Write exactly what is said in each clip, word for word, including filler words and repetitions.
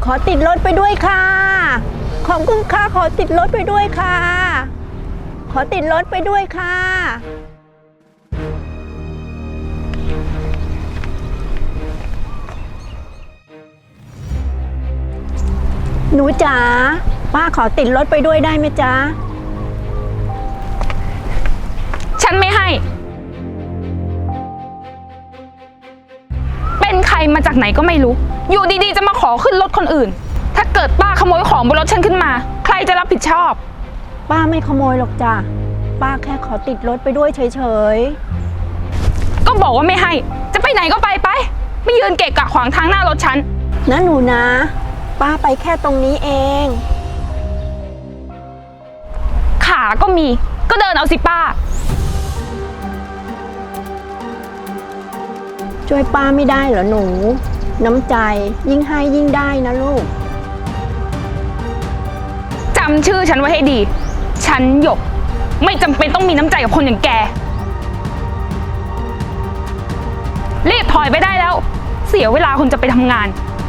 ขอติดรถไปด้วยค่ะขอบคุณค่ะขอติดรถไปด้วยค่ะขอติดรถไปด้วยค่ะหนูจ๋าป้าขอติดรถไปด้วยได้ไหมจ๊ะฉันไม่ให้เป็นใครมาจากไหนก็ไม่รู้อยู่ดีๆจะมาขอขึ้นรถคนอื่นถ้าเกิดป้าขโมยของบนรถฉันขึ้นมาใครจะรับผิดชอบป้าไม่ขโมยหรอกจ้ะป้าแค่ขอติดรถไปด้วยเฉยๆก็บอกว่าไม่ให้จะไปไหนก็ไปไปไม่ยืนเกะกะขวางทางหน้ารถฉันนะหนูนะป้าไปแค่ตรงนี้เองขาก็มีก็เดินเอาสิป้าช่วยป้าไม่ได้เหรอหนูน้ำใจยิ่งให้ยิ่งได้นะลูกจำชื่อฉันไว้ให้ดีฉันหยกไม่จำเป็นต้องมีน้ำใจกับคนอย่างแกรีบถอยไปได้แล้วเสียเวลาคนจะไปทำงาน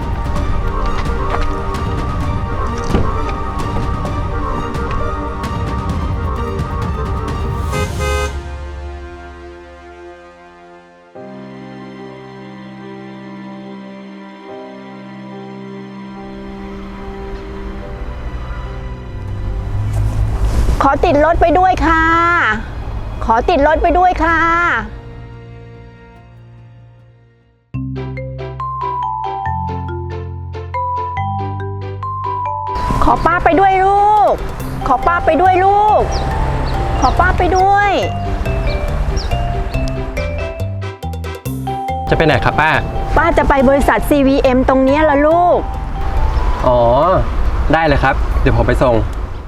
ขอติดรถไปด้วยค่ะขอติดรถไปด้วยค่ะขอป้าไปด้วยลูกขอป้าไปด้วยลูกขอป้าไปด้วยจะไปไหนครับป้าป้าจะไปบริษัท ซี วี เอ็ม ตรงนี้ละลูกอ๋อได้เลยครับเดี๋ยวผมไปส่ง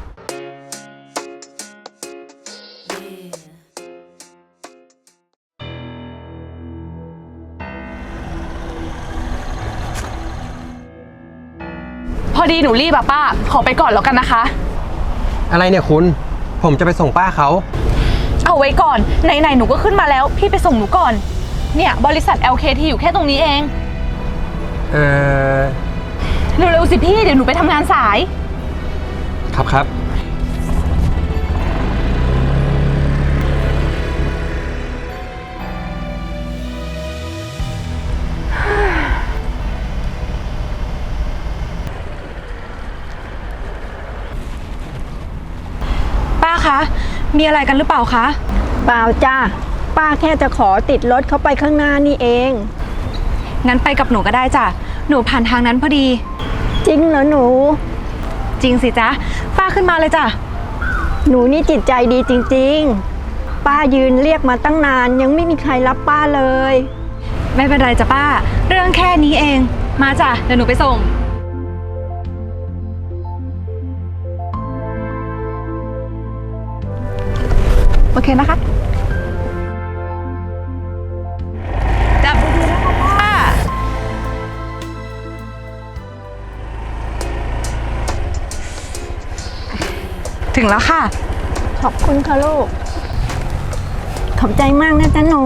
พอดีหนูรีบอะป้าขอไปก่อนแล้วกันนะคะอะไรเนี่ยคุณผมจะไปส่งป้าเขาเอาไว้ก่อนไหนๆหนูก็ขึ้นมาแล้วพี่ไปส่งหนูก่อนเนี่ยบริษัท แอล เค ที อยู่แค่ตรงนี้เองเออเร็วๆสิพี่เดี๋ยวหนูไปทำงานสายครับครับป้าคะมีอะไรกันหรือเปล่าคะเปล่าจ้าป้าแค่จะขอติดรถเขาไปข้างหน้านี่เองงั้นไปกับหนูก็ได้จ้ะหนูผ่านทางนั้นพอดีจริงเหรอหนูจริงสิจ๊ะป้าขึ้นมาเลยจ้ะหนูนี่จิตใจดีจริงๆป้ายืนเรียกมาตั้งนานยังไม่มีใครรับป้าเลยไม่เป็นไรจ้ะป้าเรื่องแค่นี้เองมาจ้ะเดี๋ยวหนูไปส่งโอเคนะคะจับดีๆนะคะป้าถึงแล้วค่ะขอบคุณค่ะลูกขอบใจมากนะจ๊ะหนู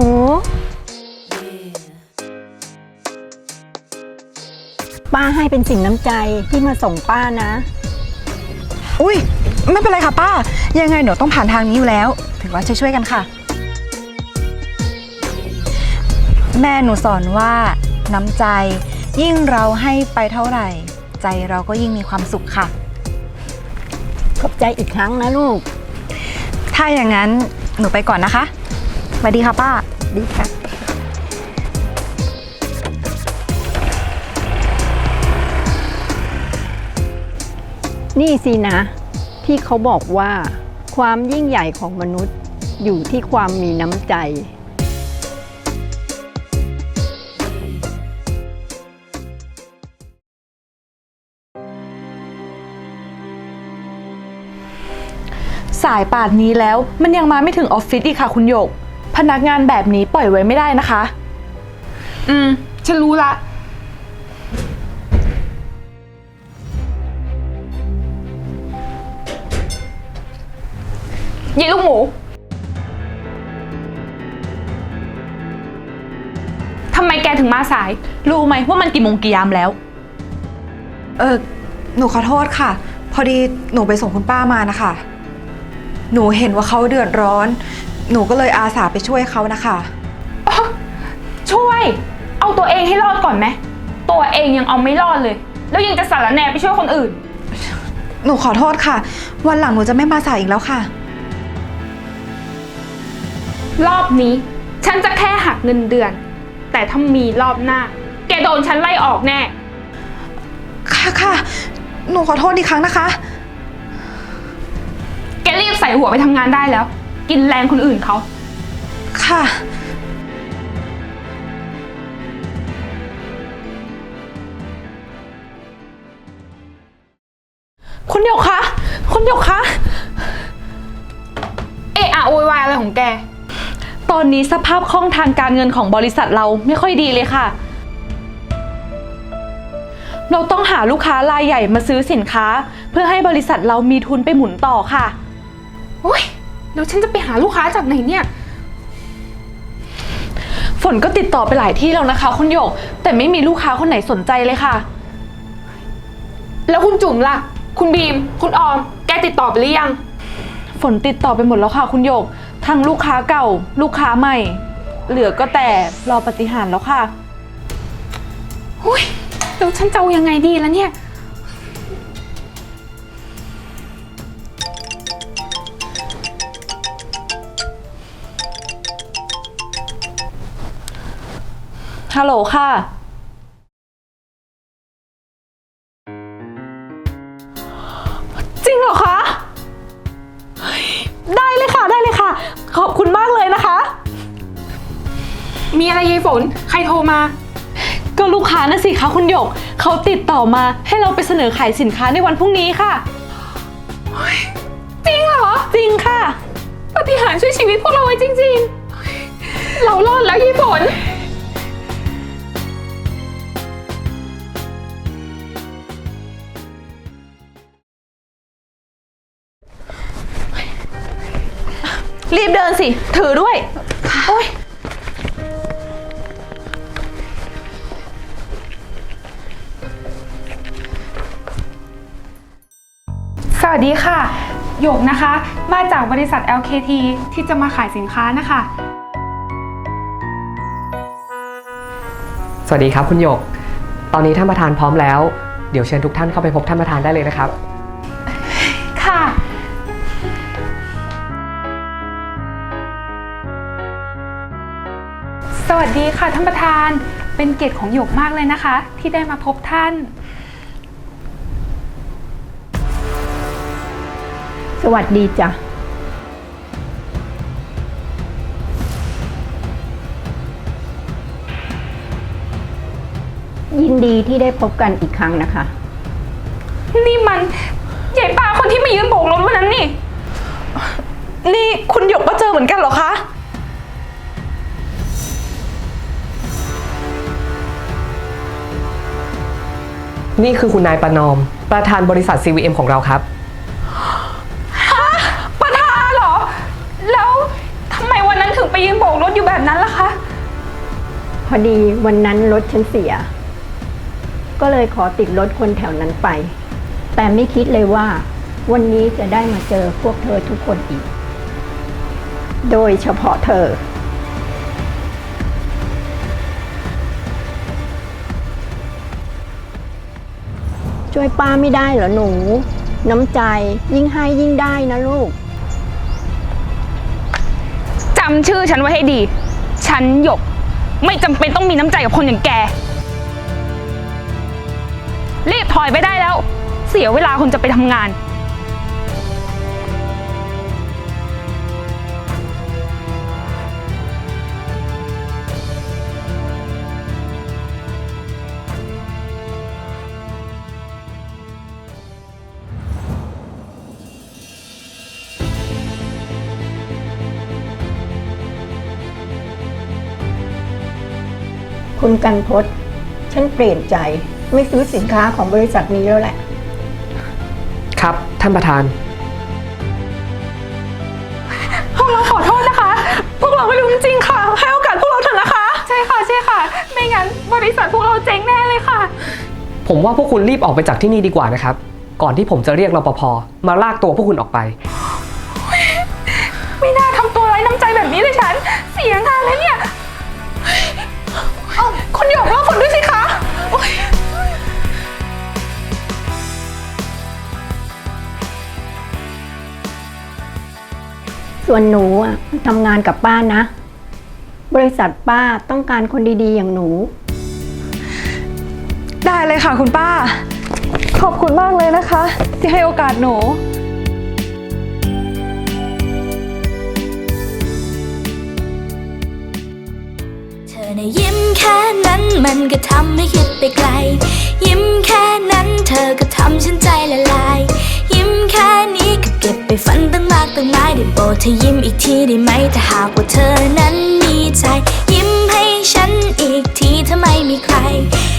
ป้าให้เป็นสิ่งน้ำใจที่มาส่งป้านะอุ้ยไม่เป็นไรค่ะป้ายังไงหนูต้องผ่านทางนี้อยู่แล้วถือว่าช่วยๆกันค่ะแม่หนูสอนว่าน้ำใจยิ่งเราให้ไปเท่าไหร่ใจเราก็ยิ่งมีความสุขค่ะขอบใจอีกครั้งนะลูกถ้าอย่างนั้นหนูไปก่อนนะคะสวัสดีค่ะป้าดีค่ะนี่สินะที่เขาบอกว่าความยิ่งใหญ่ของมนุษย์อยู่ที่ความมีน้ำใจสายป่านนี้แล้วมันยังมาไม่ถึงออฟฟิศอีกค่ะคุณหยกพนักงานแบบนี้ปล่อยไว้ไม่ได้นะคะอืมฉันรู้ละยี่ลูกหมูทำไมแกถึงมาสายรู้ไหมว่ามันกี่โมงกี่ยามแล้วเเออหนูขอโทษค่ะ พอดีหนูไปส่งคุณป้ามานะคะ หนูเห็นว่าเขาเดือดร้อน หนูก็เลยอาสาไปช่วยเขานะคะช่วย เอาตัวเองให้รอดก่อนไหม ตัวเองยังเอาไม่รอดเลย แล้วยังจะสารแหน่ไปช่วยคนอื่นหนูขอโทษค่ะ วันหลังหนูจะไม่มาสายอีกแล้วค่ะรอบนี้ฉันจะแค่หักเงินเดือน แต่ถ้ามีรอบหน้า แกโดนฉันไล่ออกแน่ค่ะค่ะ หนูขอโทษอีกครั้งนะคะแกรีบใส่หัวไปทำงานได้แล้ว กินแรงคนอื่นเขาค่ะคุณหยกคะ คุณหยกคะเอะอะโวยวายอะไรของแกตอนนี้สภาพคล่องทางการเงินของบริษัทเราไม่ค่อยดีเลยค่ะ เราต้องหาลูกค้ารายใหญ่มาซื้อสินค้า เพื่อให้บริษัทเรามีทุนไปหมุนต่อค่ะโอ้ยแล้วฉันจะไปหาลูกค้าจากไหนเนี่ยฝนก็ติดต่อไปหลายที่แล้วนะคะ คุณหยก แต่ไม่มีลูกค้าคนไหนสนใจเลยค่ะแล้วคุณจุ๋มล่ะ คุณบีม คุณออม แกติดต่อไปหรือยังฝนติดต่อไปหมดแล้วค่ะ คุณหยก ทั้งลูกค้าเก่า ลูกค้าใหม่ เหลือก็แต่รอปฏิหารย์แล้วค่ะอุ้ยแล้วฉันจะเอายังไงดีล่ะเนี่ยฮัลโหลค่ะ จริงเหรอคะเฮ้ยได้เลยค่ะ ได้เลยค่ะ ขอบคุณมากเลยนะคะมีอะไรยายฝน ใครโทรมาก็ลูกค้านะสิคะคุณหยก เขาติดต่อมาให้เราไปเสนอขายสินค้าในวันพรุ่งนี้ค่ะจริงเหรอจริงค่ะปาฏิหาริย์ช่วยชีวิตพวกเราไว้จริงๆ เรารอดแล้วยายฝนรีบเดินสิ ถือด้วย โอ๊ยสวัสดีค่ะ หยกนะคะ มาจากบริษัท แอล เค ที ที่จะมาขายสินค้านะคะสวัสดีครับคุณหยก ตอนนี้ท่านประธานพร้อมแล้ว เดี๋ยวเชิญทุกท่านเข้าไปพบท่านประธานได้เลยนะครับค่ะ สวัสดีค่ะท่านประธาน เป็นเกียรติของหยกมากเลยนะคะ ที่ได้มาพบท่านสวัสดีจ้ะ ยินดีที่ได้พบกันอีกครั้งนะคะนี่มันใหญ่ป้าคนที่มายืนโบกรถวันนั้นนี่นี่คุณหยกก็เจอเหมือนกันเหรอคะนี่คือคุณนายประนอม ประธานบริษัท ซี วี เอ็ม ของเราครับประธานเหรอ แล้วทำไมวันนั้นถึงไปยืนโบกรถอยู่แบบนั้นล่ะคะพอดีวันนั้นรถฉันเสีย ก็เลยขอติดรถคนแถวนั้นไป แต่ไม่คิดเลยว่า วันนี้จะได้มาเจอพวกเธอทุกคนอีก โดยเฉพาะเธอ ช่วยป้าไม่ได้เหรอหนู น้ำใจยิ่งให้ยิ่งได้นะลูกจำชื่อฉันไว้ให้ดี ฉันหยก ไม่จำเป็นต้องมีน้ำใจกับคนอย่างแก รีบถอยไปได้แล้ว เสียเวลาคนจะไปทำงานคุณกันพศฉันเปลี่ยนใจไม่ซื้อสินค้าของบริษัทนี้แล้วแหละครับ ท่านประธานพวกเราขอโทษนะคะ พวกเราไม่รู้จริงๆค่ะ ให้โอกาสพวกเราเถอะนะคะใช่ค่ะ ใช่ค่ะ ไม่งั้นบริษัทพวกเราเจ๊งแน่เลยค่ะผมว่าพวกคุณรีบออกไปจากที่นี่ดีกว่านะครับ ก่อนที่ผมจะเรียกรปภมาลากตัวพวกคุณออกไปไม่น่าทำตัวไร้น้ำใจแบบนี้เลยฉัน เสียงานเลยเนี่ยเอ้าคุณหยกรอฝนด้วยสิคะโอ๊ยส่วนหนูอ่ะทำงานกับป้านะ บริษัทป้าต้องการคนดีๆ อย่างหนูได้เลยค่ะคุณป้า ขอบคุณมากเลยนะคะ ที่ให้โอกาสหนูเธอน่ะยิ้มแค่นั้นมันก็ทำให้คิดไปไกล ยิ้มแค่นั้นเธอก็ทำฉันใจละลาย ยิ้มแค่นี้ก็เก็บไปฝันตั้งมากตั้งหลายได้โปรดเธอยิ้มอีกทีได้ไหมถ้าหากว่าเธอนั้นมีใจ ยิ้มให้ฉันอีกทีถ้าไม่มีใคร